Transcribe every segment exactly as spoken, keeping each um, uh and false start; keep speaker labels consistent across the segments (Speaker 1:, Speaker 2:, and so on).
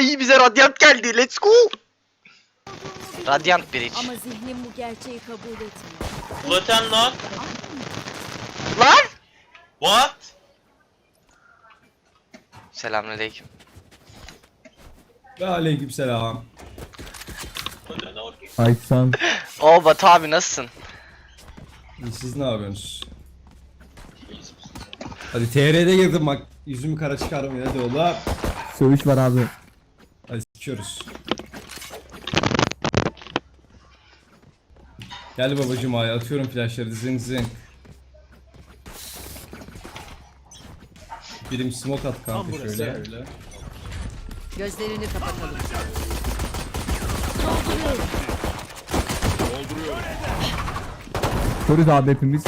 Speaker 1: Ay bize radyant geldi. Let's go. Radyant bridge.
Speaker 2: Ama zihnim bu gerçeği kabul etmiyor.
Speaker 3: Flatten lan.
Speaker 1: Lan.
Speaker 3: What?
Speaker 1: Selamünaleyküm.
Speaker 4: Ve aleykümselam.
Speaker 5: Aysan.
Speaker 1: Oo Batu abi nasılsın?
Speaker 4: İyi, siz ne yapıyorsunuz? Hadi T R'de girdim bak. Yüzümü kara çıkarmayın hadi oğlum.
Speaker 5: Sövüş var abi.
Speaker 4: Hadi sikiyoruz. Gel babacım ay atıyorum flashları zing zing. Birim smoke at kanka şöyle.
Speaker 2: Gözlerini kapatalım.
Speaker 5: Körüz abi hepimiz.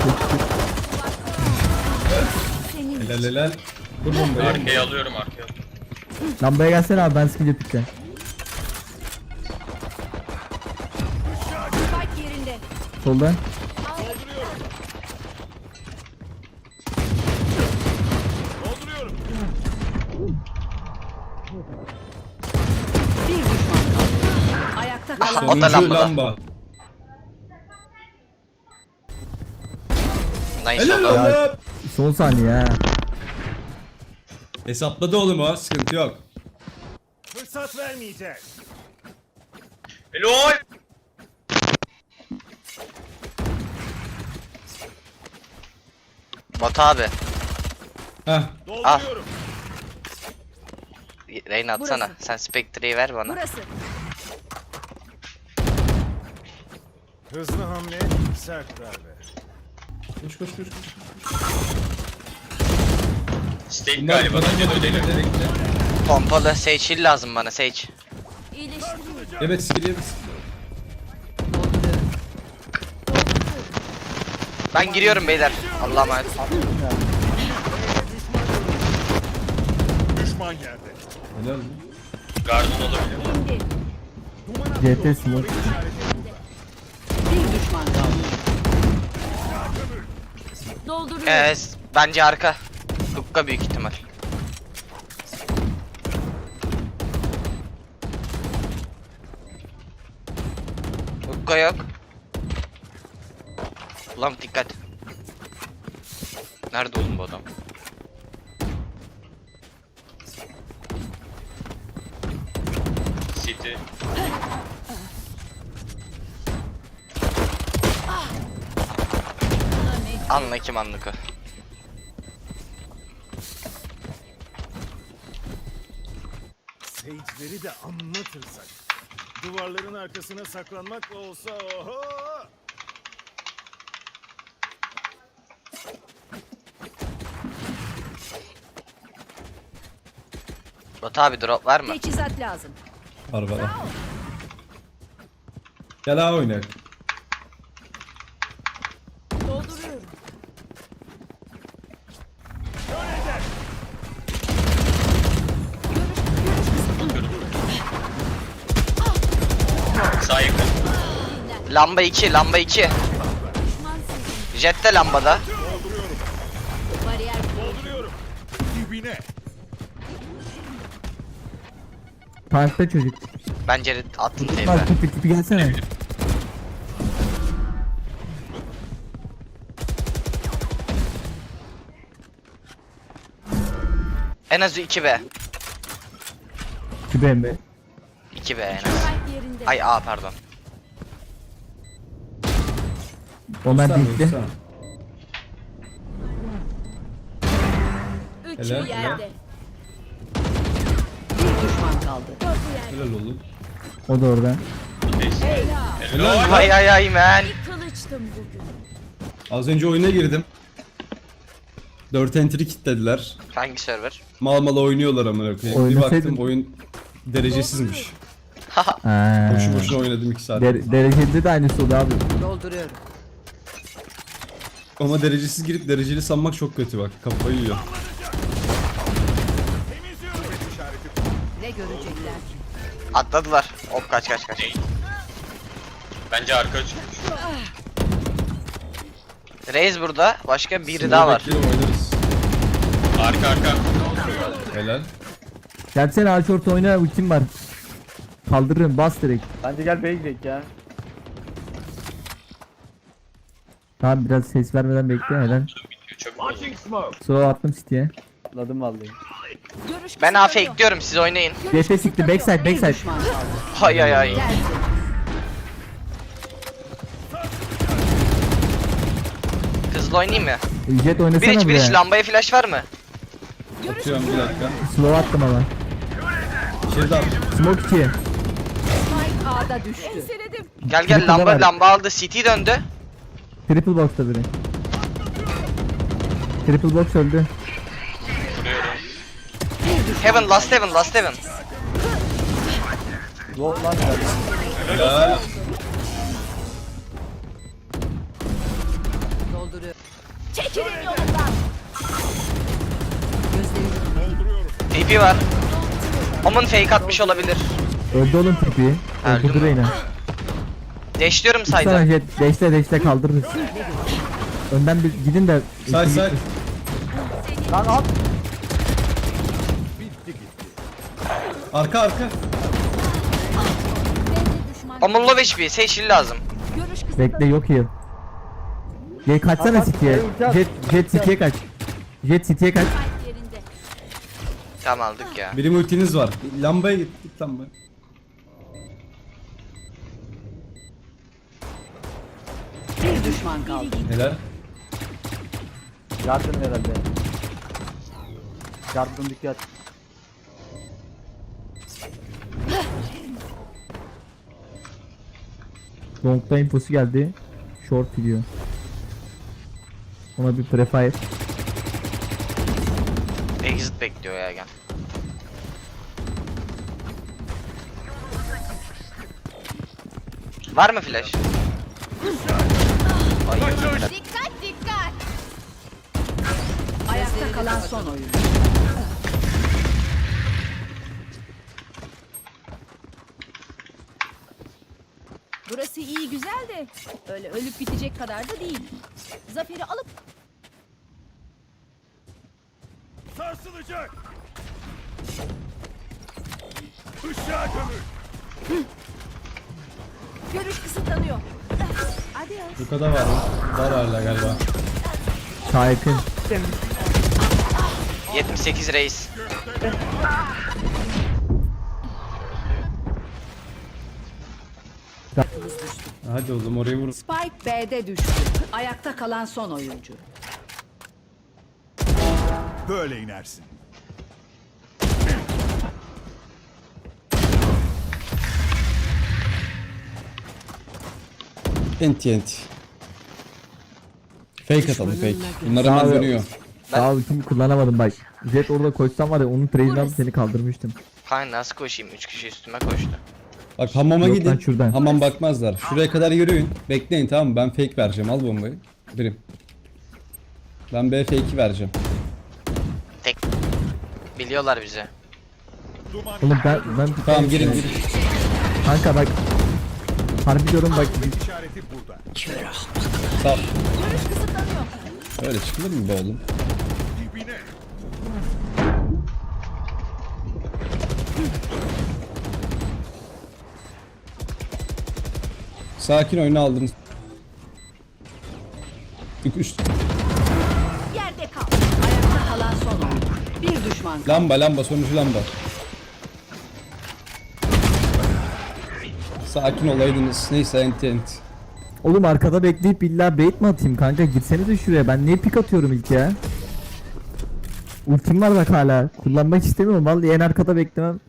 Speaker 4: Helal helal. Dur bombayı.
Speaker 3: Arkaya alıyorum arkaya.
Speaker 5: Lambaya gelsene abi ben sıkınca pikeceğim.
Speaker 2: Spike yerinde.
Speaker 5: Soldan.
Speaker 2: Bir düşman kaldı. Ayakta kalan.
Speaker 1: O da
Speaker 4: Sonuncu
Speaker 1: lambada.
Speaker 4: lamba.
Speaker 1: Nice
Speaker 4: Helal
Speaker 1: oldu.
Speaker 4: oğlum.
Speaker 5: Son saniye ha.
Speaker 4: Hesapladı oğlum o sıkıntı yok.
Speaker 6: Fırsat vermeyeceğiz.
Speaker 3: Helal.
Speaker 1: Batu abi.
Speaker 4: Heh.
Speaker 6: Dolduruyorum.
Speaker 1: Reyna atsana.
Speaker 2: Burası.
Speaker 1: Sen Spectre'yi ver bana.
Speaker 2: Burası.
Speaker 6: Hızlı hamle, sert darbe.
Speaker 4: Koş koş koş. koş.
Speaker 3: Steak galiba da dönelim.
Speaker 1: Pompalı Sage heal lazım bana Sage.
Speaker 2: İyileştiriyor.
Speaker 4: Evet skill evet.
Speaker 1: Ben giriyorum beyler. Allah'a emanet.
Speaker 6: Düşman geldi.
Speaker 4: Helal mi?
Speaker 3: Garden olabilir.
Speaker 5: C T smoke.
Speaker 2: Bir düşman kaldı. Dolduruyor.
Speaker 1: Ee, bence arka. Hukka büyük ihtimal. Hukka yok. Ulan dikkat. Nerede oğlum bu adam?
Speaker 3: City.
Speaker 1: Anla kim anlık o.
Speaker 6: Sage'leri de anlatırsak. Duvarların arkasına saklanmak olsa oho!
Speaker 1: Batu abi drop var mı?
Speaker 2: Teçhizat lazım.
Speaker 4: Var var. Gel ha oynak.
Speaker 2: Dolduruyorum.
Speaker 3: Sağ yakın.
Speaker 1: Lamba iki, lamba iki.
Speaker 2: Düşman sizin.
Speaker 1: Jet de lambada.
Speaker 2: Bariyer
Speaker 6: Dolduruyorum. Dibine.
Speaker 5: Parkta çocuk.
Speaker 1: Bence attın teybe.
Speaker 5: Bak tipi tipi gelsene.
Speaker 1: En az iki B.
Speaker 5: Tipi embe.
Speaker 1: iki B en az.
Speaker 2: spike yerinde.
Speaker 1: Ay A pardon.
Speaker 5: Onlar
Speaker 4: Sen
Speaker 5: dikti.
Speaker 4: vursan.
Speaker 2: Üçü
Speaker 4: Helal,
Speaker 2: yerde. Bir düşman kaldı. Dördü yerde.
Speaker 4: Helal oğlum.
Speaker 5: O da orada.
Speaker 3: Helal.
Speaker 1: Ay ay ay man.
Speaker 2: Kılıçtım bugün.
Speaker 4: Az önce oyuna girdim. dört entry kilitlediler.
Speaker 1: Hangi server?
Speaker 4: Mal mal oynuyorlar amına koyayım. Bir
Speaker 5: Oynasaydın.
Speaker 4: baktım oyun derecesizmiş.
Speaker 5: Ha.
Speaker 4: Boşu boşuna oynadım iki saat.
Speaker 5: Der derecede de aynısı oldu abi.
Speaker 2: Dolduruyorum.
Speaker 4: Ama derecesiz girip dereceli sanmak çok kötü bak. Kafayı yiyor.
Speaker 2: Ne görecekler?
Speaker 1: Atladılar. Hop kaç kaç kaç.
Speaker 3: Bence arka çıkmış.
Speaker 1: Reis burada. Başka biri daha var.
Speaker 4: Bekleyelim, oynarız.
Speaker 3: Arka arka.
Speaker 4: Helal.
Speaker 5: Gelsene ağaç orta oyna, ultim var. Kaldırırım, bas direkt.
Speaker 7: Bence gel B'ye gidelim ya.
Speaker 5: Tamam biraz ses vermeden bekle neden?
Speaker 3: Çok bozuldu.
Speaker 5: Slow attım City'ye.
Speaker 7: Atladım vallahi.
Speaker 2: Görüş
Speaker 1: Ben A
Speaker 2: kısıtlanıyor.
Speaker 1: fakeliyorum, siz oynayın.
Speaker 2: Görüş
Speaker 5: G F sikti,
Speaker 2: kısıtlanıyor.
Speaker 5: backside,
Speaker 2: Bir
Speaker 5: backside.
Speaker 2: düşman kaldı.
Speaker 1: Hay hay hay.
Speaker 2: Geldi.
Speaker 1: Hızlı oynayayım mı?
Speaker 5: Jet oynasana
Speaker 1: Bir iç bir iç,
Speaker 5: buraya.
Speaker 1: lambaya flash var mı?
Speaker 2: Görüş
Speaker 4: Atıyorum bir dakika.
Speaker 5: Slow attım ama.
Speaker 4: İçeride at.
Speaker 5: Smoke iki.
Speaker 2: Spike A'da düştü.
Speaker 1: Gel gel,
Speaker 5: Triple
Speaker 1: lamba
Speaker 5: var.
Speaker 1: lamba aldı, C T döndü.
Speaker 5: Triple box'ta biri. Triple box öldü.
Speaker 1: Heaven, last heaven, last heaven.
Speaker 7: Low lan gel.
Speaker 4: Ya.
Speaker 2: dolduruyor. Çekilin yolundan. Gözlerini
Speaker 1: T P var. Omun fake atmış olabilir.
Speaker 5: Öldü oğlum tipi.
Speaker 1: Öldü
Speaker 5: Öldü
Speaker 1: mü?
Speaker 5: Reyna.
Speaker 1: Dashliyorum
Speaker 5: Sana
Speaker 1: sayda.
Speaker 5: jet deşte deşte kaldırırız. Önden bir gidin de.
Speaker 4: Say say.
Speaker 7: Lan at.
Speaker 4: Arka arka.
Speaker 1: Omun low H P, Sage lazım.
Speaker 2: görüş kısıtlanıyor.
Speaker 5: Bekle yok heal. Jet kaçsana
Speaker 7: At, at,
Speaker 5: City'ye.
Speaker 7: ulti at.
Speaker 5: Jet Jet City'ye kaç. Jet City'ye kaç.
Speaker 2: Spike yerinde.
Speaker 1: Tamam aldık ya.
Speaker 4: Benim ultiniz var. Lambaya git. Git lambaya.
Speaker 2: Bir düşman kaldı.
Speaker 4: Helal.
Speaker 7: Yardım herhalde. Yardım dikkat.
Speaker 5: Long'da infosu geldi. Short gidiyor. Ona bir prefire.
Speaker 1: Exit bekliyor ya, gel. Var mı flash? Ay,
Speaker 2: Dikkat dikkat. Ayakta kalan son oyun. Burası iyi güzel de öyle ölüp bitecek kadar da değil. Zaferi alıp
Speaker 6: Sarsılacak. Işığa gömül.
Speaker 2: görüş kısıtlanıyor. Adios.
Speaker 4: Bu kadar var mı? Var hala galiba.
Speaker 5: Sağ yakın.
Speaker 1: yetmiş sekiz reis.
Speaker 4: Hadi oğlum oraya vur.
Speaker 2: Spike B'de düştü. Ayakta kalan son oyuncu.
Speaker 6: Böyle inersin.
Speaker 4: Enti enti. Fake atalım fake. Bunlar hemen
Speaker 5: Abi.
Speaker 4: dönüyor.
Speaker 5: Daha ultimi kullanamadım bak. Jet orada koşsam var ya onun trade'ini alıp seni kaldırmıştım.
Speaker 1: Kanka nasıl koşayım? üç kişi üstüme koştu.
Speaker 4: Bak hamama
Speaker 5: Yok
Speaker 4: gidin.
Speaker 5: lan, şuradan.
Speaker 4: Hamam bakmazlar. Şuraya kadar yürüyün. Bekleyin tamam mı? Ben fake vereceğim. Al bombayı. Birim. Ben B fake'i vereceğim.
Speaker 1: Tek. Biliyorlar bizi.
Speaker 6: Duman.
Speaker 5: Oğlum ben ben
Speaker 4: Tamam girin girin.
Speaker 5: Kanka bak. Harbi diyorum bak.
Speaker 6: İşareti burada.
Speaker 4: Sağ.
Speaker 2: Görüş kısıtlanıyor.
Speaker 4: Öyle çıkılır mı be oğlum?
Speaker 6: Dibine.
Speaker 4: Sakin oyunu aldınız. Üç, üç.
Speaker 2: Yerde kal. Ayakta kalan son oyuncu. Bir düşman kaldı.
Speaker 4: Lamba lamba sonucu lamba. Sakin olaydınız. Neyse enti enti.
Speaker 5: Oğlum arkada bekleyip illa bait mi atayım kanka? Gitsenize şuraya. Ben niye pik atıyorum ilk ya? Ultim var bak hala. Kullanmak istemiyorum. Vallahi en arkada beklemem.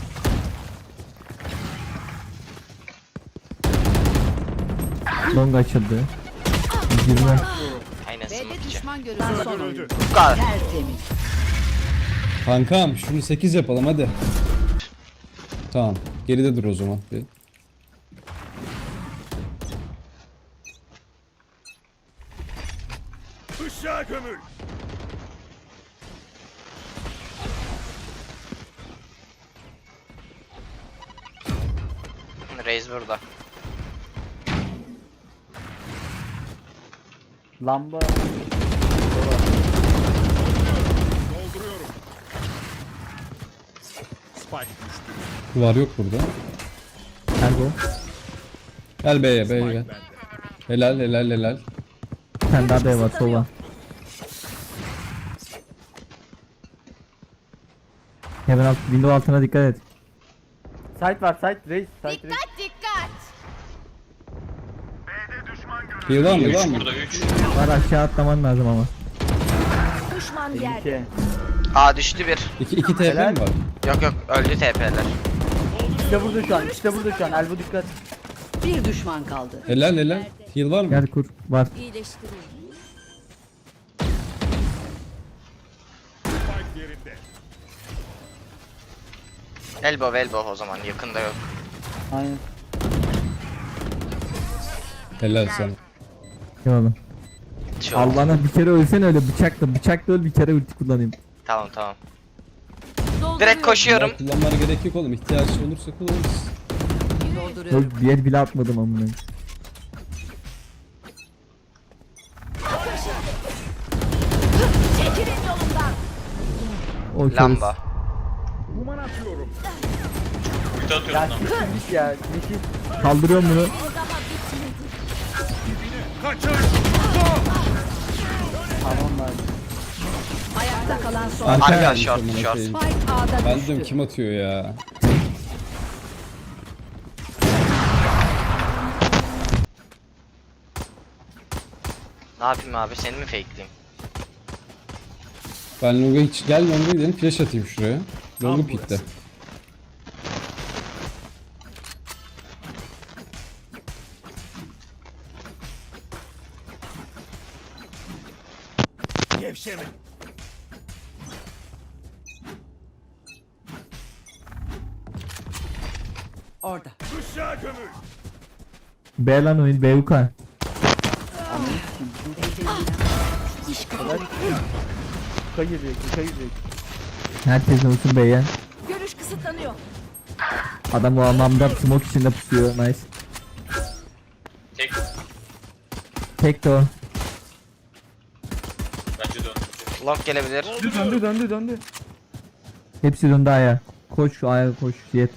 Speaker 5: Long açıldı. yirmi.
Speaker 1: Aynen
Speaker 2: B'de
Speaker 1: smoke.
Speaker 2: düşman görüldü. Son oyuncu.
Speaker 1: Bu kadar.
Speaker 2: Tertemiz.
Speaker 4: Kankam şunu sekiz yapalım hadi. Tamam. Geride dur o zaman. Bir.
Speaker 6: Işığa gömül.
Speaker 1: Reis burada.
Speaker 7: Lamba.
Speaker 6: Dolduruyorum.
Speaker 4: Duvar yok burada.
Speaker 5: Nerede o?
Speaker 4: Gel B'ye B'ye gel. Helal helal helal.
Speaker 5: Bir tane daha B var sola. Hemen alt, window altına dikkat et.
Speaker 7: Site var site reis. Site reis.
Speaker 2: Dikkat dikkat.
Speaker 4: Bir var mı? Bir var mı?
Speaker 3: Burada üç.
Speaker 5: Var aşağı atlaman lazım ama.
Speaker 2: Düşman yerde.
Speaker 7: İki.
Speaker 1: A düştü bir.
Speaker 4: İki, iki T P mi var?
Speaker 1: Yok yok öldü T P'ler.
Speaker 7: İşte burada şu an. İşte burada şu an. Elbow dikkat.
Speaker 8: Bir düşman kaldı.
Speaker 4: Helal helal. Heal var mı?
Speaker 5: Gel kur. Var.
Speaker 2: İyileştireyim.
Speaker 6: Spike yerinde.
Speaker 1: Elbow elbow o zaman yakında yok.
Speaker 7: Aynen.
Speaker 4: Helal sana.
Speaker 5: Eyvallah.
Speaker 1: Şu an.
Speaker 5: Allah'ına bir kere ölsen öyle bıçakla. Bıçakla öl bir kere ulti kullanayım.
Speaker 1: Tamam tamam.
Speaker 2: Dolduruyorum.
Speaker 1: Direkt koşuyorum.
Speaker 4: Kullanmana gerek yok oğlum. İhtiyaç olursa kullanırız.
Speaker 8: Dolduruyorum.
Speaker 5: Yok bir el bile atmadım amına.
Speaker 2: Çekilin yolumdan.
Speaker 5: O keriz.
Speaker 1: Lamba.
Speaker 3: Ulti atıyorum
Speaker 7: Ya
Speaker 3: lan.
Speaker 7: siktirmiş ya. Nefis.
Speaker 5: Kaldırıyorum bunu.
Speaker 2: O zaman bitmedi.
Speaker 6: Kaçın.
Speaker 7: Tamam lan.
Speaker 8: Ayakta kalan son.
Speaker 4: Arka
Speaker 1: Arka,
Speaker 4: gelmiş
Speaker 1: short,
Speaker 4: amına
Speaker 1: short.
Speaker 4: koyayım.
Speaker 8: Spike A'da
Speaker 4: Ben
Speaker 8: düştü.
Speaker 4: diyorum kim atıyor ya?
Speaker 1: Ne yapayım abi seni mi fakeleyeyim?
Speaker 4: Ben longa hiç gel longa gidelim flash atayım şuraya. Longu
Speaker 6: Tam
Speaker 4: pikte.
Speaker 6: Gevşeme.
Speaker 8: Orada.
Speaker 6: Kuşağı gömül.
Speaker 5: B lan oyun B U K.
Speaker 7: Kuka girecek. Kuka girecek.
Speaker 5: Herkes olsun B'ye.
Speaker 2: Görüş kısıtlanıyor.
Speaker 5: Adam o anlamda smoke içinde pusuyor. Nice.
Speaker 3: Tek.
Speaker 5: Tek de o.
Speaker 3: Bence dön.
Speaker 1: Long gelebilir.
Speaker 7: Döndü döndü döndü.
Speaker 5: Hepsi döndü A'ya. Koş şu A'ya koş Jet.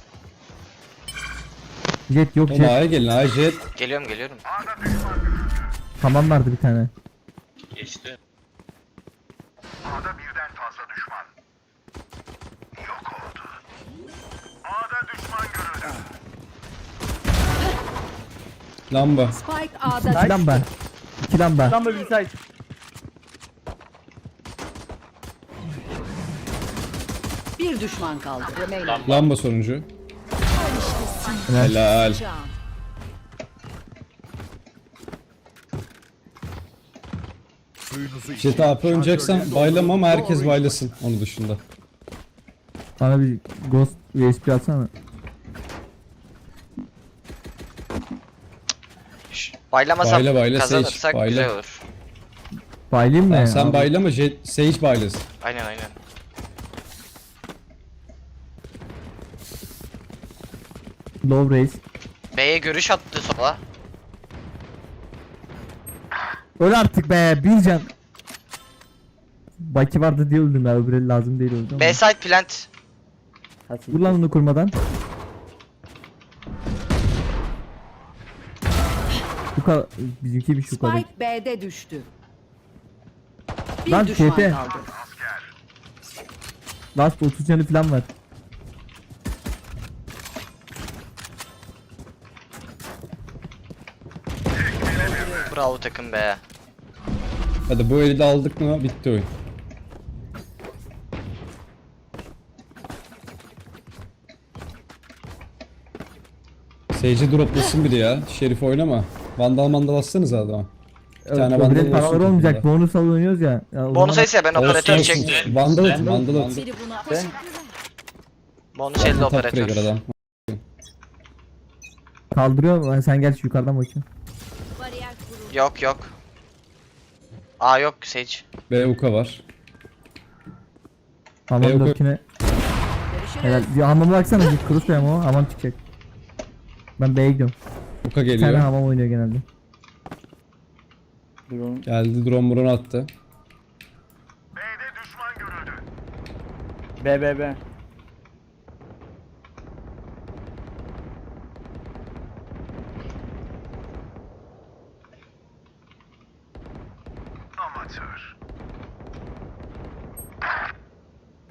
Speaker 5: Jet yok
Speaker 4: Oğlum
Speaker 5: Jet.
Speaker 4: A'ya gelin A'ya jet.
Speaker 1: Geliyorum geliyorum.
Speaker 5: Tamam vardı bir tane.
Speaker 3: Geçti.
Speaker 4: Lamba.
Speaker 8: Spike A'da
Speaker 5: İki lamba. İki lamba.
Speaker 7: Lamba bir site.
Speaker 8: bir düşman kaldı. Remailer.
Speaker 4: Lamba sonuncu.
Speaker 5: Helal.
Speaker 4: Helal.
Speaker 2: Can.
Speaker 6: Suyunuzu
Speaker 4: Jet A P oynayacaksan baylama ama herkes baylasın onun dışında.
Speaker 5: Bana bir Ghost U S B atsana.
Speaker 1: Şş, Baylamasak
Speaker 4: Bayla, bayla,
Speaker 1: kazanırsak
Speaker 4: Sage, bayla.
Speaker 1: güzel olur.
Speaker 5: Baylayayım mı?
Speaker 4: Tamam, sen
Speaker 5: Abi,
Speaker 4: baylama jet, Sage baylasın.
Speaker 1: Aynen aynen.
Speaker 5: Low raise.
Speaker 1: B'ye görüş attı sola.
Speaker 5: Öl artık be bir can. Baki vardı diye öldüm ya öbürü lazım değil öldüm.
Speaker 1: B side plant.
Speaker 5: Vur lan onu kurmadan. Bu kadar bizimki bir şu kadar.
Speaker 8: Spike B'de düştü. Bir
Speaker 5: Lan
Speaker 8: düşman
Speaker 5: T P.
Speaker 8: kaldı.
Speaker 5: Last otuz canı falan var.
Speaker 1: Bravo takım be.
Speaker 4: Hadi bu eli de aldık mı bitti oyun. Sage'i droplasın biri ya. Şerif oynama. Vandal mandal atsanız adama. Bir tane vandal
Speaker 5: Öbürü paralar
Speaker 4: olsun
Speaker 5: olmayacak.
Speaker 4: takımda.
Speaker 5: Bonus al oynuyoruz ya. ya o
Speaker 1: Bonus
Speaker 5: zaman-
Speaker 1: ise ben
Speaker 4: Olsun,
Speaker 1: operatör
Speaker 4: olsun.
Speaker 1: çektim.
Speaker 4: Vandal atın vandal atın.
Speaker 2: Biri buna
Speaker 7: Ben
Speaker 1: Bonus elde
Speaker 4: Top
Speaker 1: operatör.
Speaker 4: trigger adam.
Speaker 5: Kaldırıyor. Sen gel şu yukarıdan bakayım.
Speaker 2: bariyer kuruldu.
Speaker 1: Yok yok. A yok Sage.
Speaker 4: B Uka var.
Speaker 5: Hamam
Speaker 4: Yok, yok.
Speaker 5: dörtüne. Helal. Bir hamama baksana. Bir cross koyalım o. Hamam çıkacak. Ben B'ye gidiyorum.
Speaker 4: Uka
Speaker 5: Bir tane
Speaker 4: geliyor.
Speaker 5: hamam oynuyor genelde.
Speaker 7: drone.
Speaker 4: Geldi drone drone attı.
Speaker 7: B B B.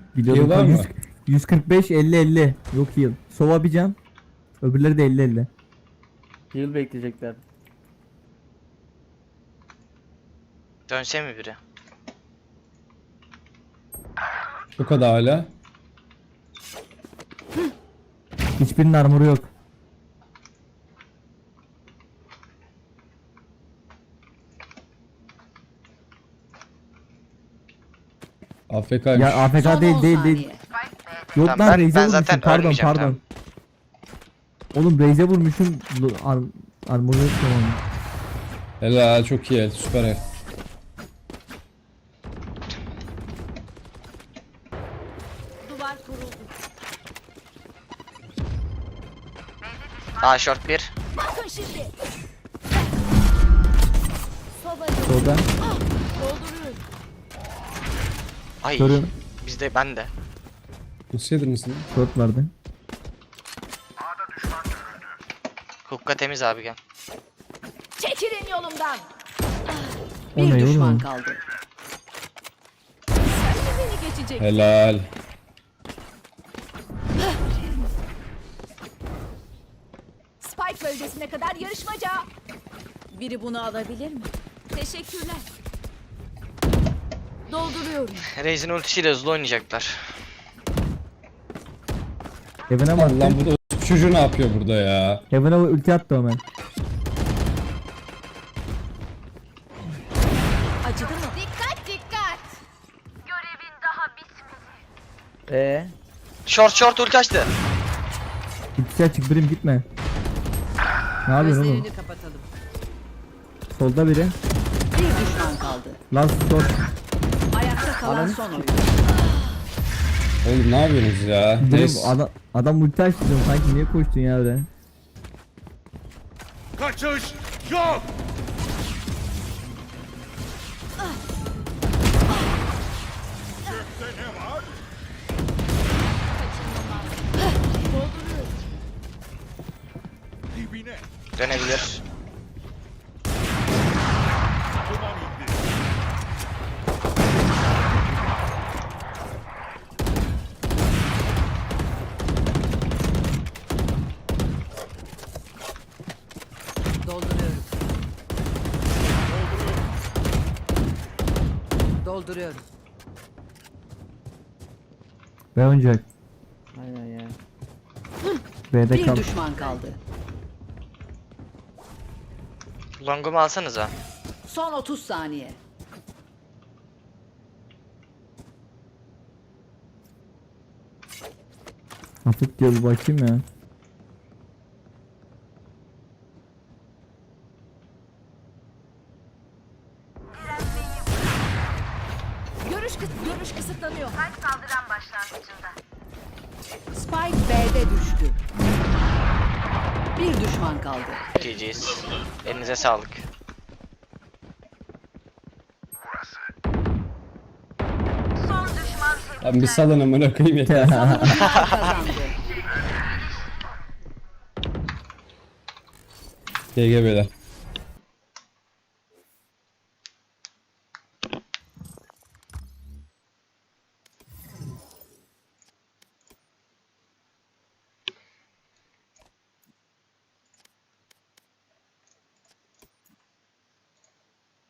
Speaker 5: Biliyordum
Speaker 4: Heal var
Speaker 5: kanka.
Speaker 4: mı?
Speaker 5: yüz, yüz kırk beş elli elli. Yok heal. Sova bir can. Öbürleri de elli elli.
Speaker 7: Heal bekleyecekler.
Speaker 1: Dönse mi biri?
Speaker 4: Bu kadar hala.
Speaker 5: Hiçbirinin armoru yok.
Speaker 4: A F K'ymış.
Speaker 5: Ya A F K
Speaker 2: Son
Speaker 5: değil
Speaker 2: on
Speaker 5: değil
Speaker 2: saniye.
Speaker 5: değil. Yok
Speaker 1: Tamam,
Speaker 5: lan
Speaker 1: ben-
Speaker 5: Raze'e
Speaker 1: ben
Speaker 5: vurmuşum.
Speaker 1: zaten
Speaker 5: Pardon
Speaker 1: ölmeyeceğim,
Speaker 5: pardon.
Speaker 1: tamam.
Speaker 5: Oğlum Raze'e vurmuşum. Lu- Ar armoru yok tamam.
Speaker 4: Helal çok iyi el. Süper el.
Speaker 2: Duvar kuruldu.
Speaker 1: Aa short bir.
Speaker 2: Bakın şimdi. Sobacı.
Speaker 5: Solda.
Speaker 2: Dolduruyorum.
Speaker 1: Ay.
Speaker 5: Görüyorum.
Speaker 1: Bizde ben de.
Speaker 4: Nasıl yediniz lan?
Speaker 5: Short vardı.
Speaker 1: Hukka temiz abi gel.
Speaker 2: Çekilin yolumdan.
Speaker 5: O
Speaker 8: Bir
Speaker 5: ne
Speaker 8: düşman
Speaker 5: oğlum?
Speaker 8: kaldı.
Speaker 2: Sen de beni geçecek.
Speaker 4: Helal.
Speaker 2: Spike bölgesine kadar yarışmaca. Biri bunu alabilir mi? Teşekkürler. Dolduruyorum.
Speaker 1: Raze'in ultisiyle hızlı oynayacaklar.
Speaker 5: Heaven'a mı
Speaker 4: Lan
Speaker 5: attı?
Speaker 4: bu da o çocuğu ne yapıyor burada ya?
Speaker 5: Heaven'a ulti attı hemen.
Speaker 2: Acıdı mı? Dikkat dikkat.
Speaker 7: Ee,
Speaker 1: Short short ulti açtı.
Speaker 5: İkisi açık birim gitme. Ne yapıyorsun oğlum?
Speaker 8: Gözlerini kapatalım.
Speaker 5: Solda biri.
Speaker 8: Bir düşman kaldı.
Speaker 5: Last short.
Speaker 8: Ayakta kalan son oyun.
Speaker 4: Oğlum ne yapıyorsunuz ya?
Speaker 5: Oğlum
Speaker 4: Neyse.
Speaker 5: adam, adam ulti açtı diyorum. Sanki niye koştun ya öyle?
Speaker 6: Kaçış yok. Gökte ne var? Dibine.
Speaker 1: Dönebilir.
Speaker 6: Duman indi.
Speaker 8: Dolduruyorum. Dolduruyorum.
Speaker 5: Ve oynayacak.
Speaker 7: aynen ya.
Speaker 5: B'de
Speaker 8: Bir
Speaker 5: kal.
Speaker 8: düşman kaldı.
Speaker 1: Long'umu alsanıza.
Speaker 8: Son otuz saniye.
Speaker 5: Hafif diyor bir bakayım ya.
Speaker 2: Görüş kıs görüş kısıtlanıyor.
Speaker 8: Spike B'de düştü. Bir düşman kaldı.
Speaker 1: G G'yiz. Elinize sağlık.
Speaker 4: Lan bir salın amına koyayım yeter.
Speaker 8: Savunucular kazandı.
Speaker 4: G G beyler.